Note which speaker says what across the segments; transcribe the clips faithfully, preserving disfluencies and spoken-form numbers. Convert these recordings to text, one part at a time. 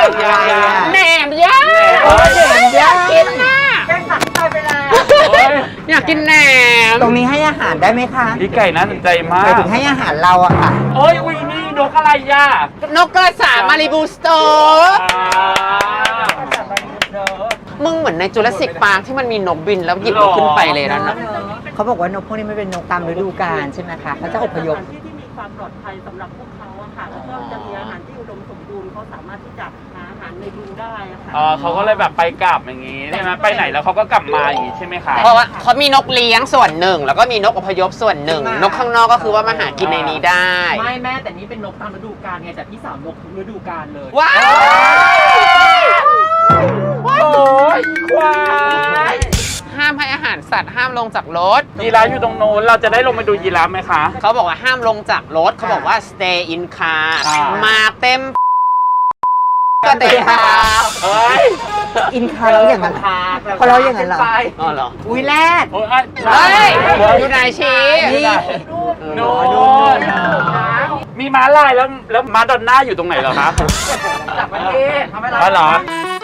Speaker 1: แหนมย่างแหนมย่างกินน่ะแกงผักตายไปแล้วอยากกินแหนม
Speaker 2: ตรงนี้ให้อาหารได้ไหมคะ
Speaker 3: พี่ไก่น่าสนใจมาก
Speaker 2: ไปถึงให้อาหารเราอะค่ะ
Speaker 3: โอ้ยอุ้ยนี่นกอะไรย่
Speaker 1: านกกระสามาริบูสโตมึงเหมือนในจูราสสิกพาร์คที่มันมีนกบินแล้วหยิบมันขึ้นไปเลยนั่นนะ
Speaker 2: เขาบอกว่านกพวกนี้ไม่เป็นนกตามฤดูกาลใช่ไหมคะเขาจะอพยพ
Speaker 4: ที่ที่มีความปลอดภัยสำหรับพวกเขาอะค่ะแล้วก็จะมีอาหารที่อุดมสมบูรณ์เขาสามารถที่จะหาอาหารในรูได้อะค่ะ
Speaker 3: อ๋อเขาก็เลยแบบไปกลับอย่างงี้ใช่ไหมไปไหนแล้วเขาก็กลับมาอย่างงี้ใช่ไหมคะ
Speaker 1: เพราะว่าเขามีนกเลี้ยงส่วนหนึ่งแล้วก็มีนกอพยพส่วนหนึ่งนกข้างนอกก็คือว่ามาหากินในนี้ได้
Speaker 5: ไม่แม่แต่นี่เป็นนกตามฤดูกาลไงแต่พี่สาวนกทุกฤดูกาลเลย
Speaker 1: ว้าว
Speaker 3: โอ้ยควาย
Speaker 1: ห้ามให้อาหารสัตว์ห้ามลงจากรถ
Speaker 3: ยีราฟอยู่ตรงโน้นเราจะได้ลงไปดูยีราฟไหมคะ
Speaker 1: เขาบอกว่าห้ามลงจากรถเขาบอกว่า stay in car มาเต็มก็เต็มคา
Speaker 3: เฮ้ย
Speaker 2: อินคาเราอย่างนั้นพอเราอย่างนั้นเหรอ
Speaker 1: อ๋อเหรอ
Speaker 2: อุ้ยแรด
Speaker 3: โอ้ย
Speaker 1: เฮ้ยอยู่ไหนชี้
Speaker 3: โน่นมีม้าลายแล้วแล้วม้าดอนน่าอยู่ตรงไหนเหรอคะ
Speaker 5: จากประเทศทำไมล่ะ
Speaker 3: อ๋อเหรอ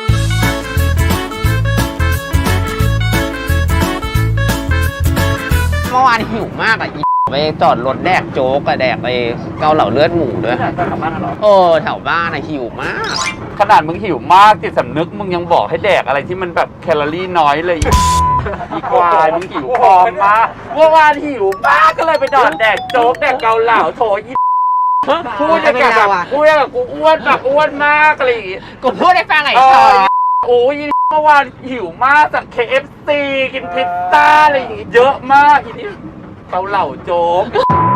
Speaker 1: เมื่อวานหิวมากอ่ะไปจอดรถแดกโจ๊กกับแดกไปเกาเหลาเลือดหมูด้วย
Speaker 3: แถวบ้านเหรอ
Speaker 1: เออแถวบ้านอะหิวมาก
Speaker 3: ขนาดมึงหิวมากจิตสำนึกมึงยังบอกให้แดกอะไรที่มันแบบแคลอรี่น้อยเลยอีควายมึงหิวพร้อมมากเมื่อวานหิวมากก็เลยไปจอดแดกโจ๊กแดกเกาเหลาโถยพูดอย่างแบบพูดอย่างกูอ้วนแบบอ้วนมากอะไรอย่างงี้
Speaker 1: กูพูดให้ฟังไอ้ชอ
Speaker 3: โอ้ยเมื่อวานหิวมากจาก เค เอฟ ซี กินพิซซ่าอะไรอย่างงี้เยอะมากอีนี้เกาเหลาโจ๊ก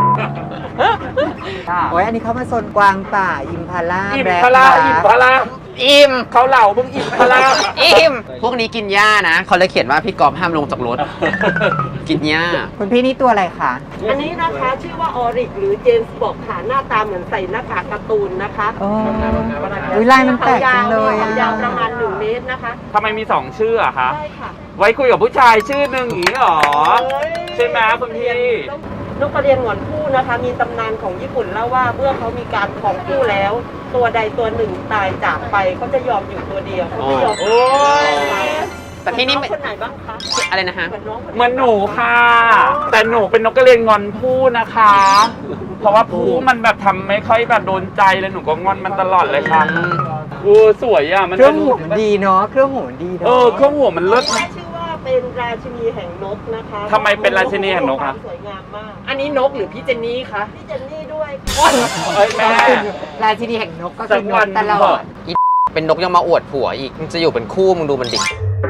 Speaker 2: โอ้ยอันนี้เขามาโซนกวางป่าอิมพาล่า
Speaker 3: อิ่มพาราอิ่มพารา
Speaker 1: อิ่ม
Speaker 3: เกาเหลามึงอิ่มพารา
Speaker 1: อิ่มพวกนี้กินหญ้านะเขาเลยเขียนว่าพี่กอล์ฟห้ามลงจากรถกินหญ้า
Speaker 2: คุณพี่นี่ตัวอะไรคะ
Speaker 4: อันนี้นะคะชื่อว่าออริกหรือเจมส์บอกค่ะหน้าตาเหมือนใส่หน้ากากการ์ตูนนะคะ
Speaker 2: โอ้ยลายมันแปลกจังเลย
Speaker 4: อะยาวประมาณหนึ่งเมตรนะคะ
Speaker 3: ทำไมมีสองชื่ออะคะ
Speaker 4: ใช่ค่ะ
Speaker 3: ไว้คุยกับผู้ชายชื่อหนึ่งอย่างนี้หรอใช่ไหมคุณพี่
Speaker 4: นกกระเรียนหงอนคู่นะคะมีตำนานของญี่ปุ่นเล่าว่าเมื่อเขามีการของคู่แล้ว ตัวใดตัวหนึ่งตายจากไปเขาจะยอมอยู่ตัวเดียวเขาไม่ยอมโอ้
Speaker 3: ย
Speaker 1: แต่ที่นี่
Speaker 4: คนไหนบ้างคะ
Speaker 1: อะไรนะฮะ
Speaker 3: เหมือนหนูค่ะแต่หนูเป็นนกกระเรียนงอนผู้นะคะเพราะว่าผู้มันแบบทำไม่ค่อยแบบโดนใจเลยหนูก็งอนมันตลอดเลยค่ะโอ้สวยอ่ะมัน
Speaker 2: เครื่องหัวมันดีเนาะเครื่องหัวมันดีเนาะ
Speaker 3: เออเครื่องหัวมันเลิศ
Speaker 4: เป็นราชินีแห่งนกนะคะ
Speaker 3: ทำไมเป็นราชินีแห่งนกคะ
Speaker 4: สวยงามมาก
Speaker 5: อันนี้นกหรือพี่เจนนี่คะ
Speaker 4: พี่เจนนี่ด้วย
Speaker 3: เอ้ยแม่
Speaker 2: ราชินีแห่งนกก็คือนกตลอด
Speaker 1: เป็นนกยังมาอวดผัวอีกมันจะอยู่เป็นคู่มึงดูมันดิ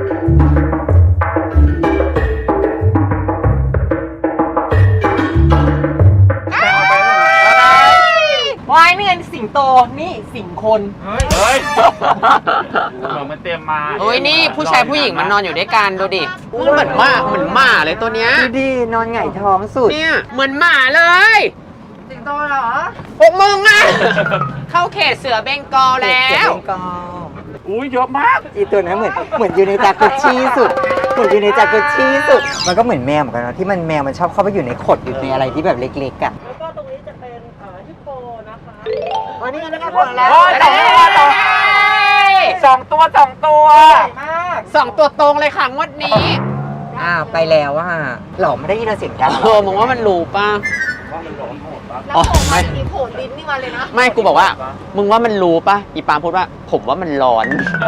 Speaker 5: วายนี่ไงสิงโตนี่สิงคน
Speaker 3: เฮ้ยมันเตรียมมา
Speaker 1: เฮ้ยนี่ผู้ชายผู้หญิงมันนอนอยู่ด้วยกันดูดิมันเหมือนหมาเหมือนหมาเลยตัวเนี้ย
Speaker 2: ดูดินอนหงายท้องสุด
Speaker 1: เนี่ยเหมือนหมาเลย
Speaker 5: สิงโตเหรอ
Speaker 1: พวกมึงอะเข้าเขตเสือเบงกอลแล้ว
Speaker 3: อุ้ยเยอะมาก
Speaker 2: อีตัวนั้นเหมือนเหมือนอยู่ในจากุชชี่สุดเหมือนอยู่ในจากุชชี่สุดมันก็เหมือนแมวเหมือนกันนะที่มันแมวมันชอบเข้าไปอยู่ในขดอยู่ในอะไรที่แบบเล็กๆอ่ะ
Speaker 4: แล้วก็ตรงนี้จะเป็นฮิปโปนะคะ
Speaker 2: วันนี้นะครับผมแล้ว
Speaker 3: สองตัวสองตัว
Speaker 1: สองตัวตรงเลยค่ะงวดนี้
Speaker 2: อ้าวไปแล้วอ่ะหล่อไม่ได้ยินเสียงกัน
Speaker 1: เออมึงว่ามันรู้ป่ะ
Speaker 4: อ๋อไม่มีโผล่ลิ้นนี่มาเลยนะ
Speaker 1: ไม่กูบอกว่ามึงว่ามันรู้ป่ะอีปาพูดว่าผมว่ามันร้อน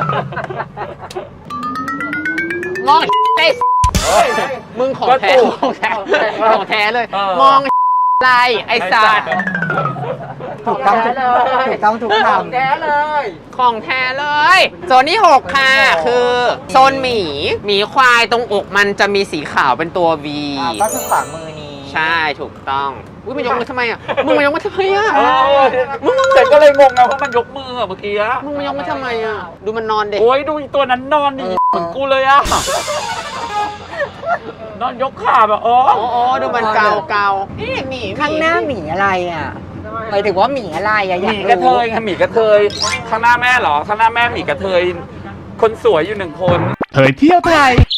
Speaker 1: มองได้มึงของแท้ของแท้ของแท้เลยมองอะไรไอ้สัตว์
Speaker 2: ถูกต้องถูกต้องถูกคำของ
Speaker 5: แท้เลย
Speaker 1: ของแท้เลยโซนที่หกค่ะคือโซนหมีหมีควายตรงอกมันจะมีสีขาวเป็นตัว V
Speaker 2: ก็คือขวามือนี้
Speaker 1: ใช่ถูกต้องอุ้ยมันยกมือทำไมอ่ะมึงมันยกมือทำไมอ่ะ
Speaker 3: มึงแต่ก็เลยงงไงเพราะมันยกมือเมื่อกี้
Speaker 1: มึงมันยกมือทำไมอ่ะดูมันนอนเด็ก
Speaker 3: โอ้ยดูตัวนั้นนอนดิเหมือนกูเลยอ่ะนอนยกขาแบบอ๋อ
Speaker 1: อ๋อดูมันเกาเกานี่หมี
Speaker 2: ข้างหน้าหมีอะไรอ่ะหมายถึงว่าหมีอะไรอ่ะ
Speaker 3: หมีกระเทยค่ะหมีกระเทยข้างหน้าแม่เหรอข้างหน้าแม่หมีกระเทยคนสวยอยู่หนึ่งคน
Speaker 6: เผยเที่ยวไทย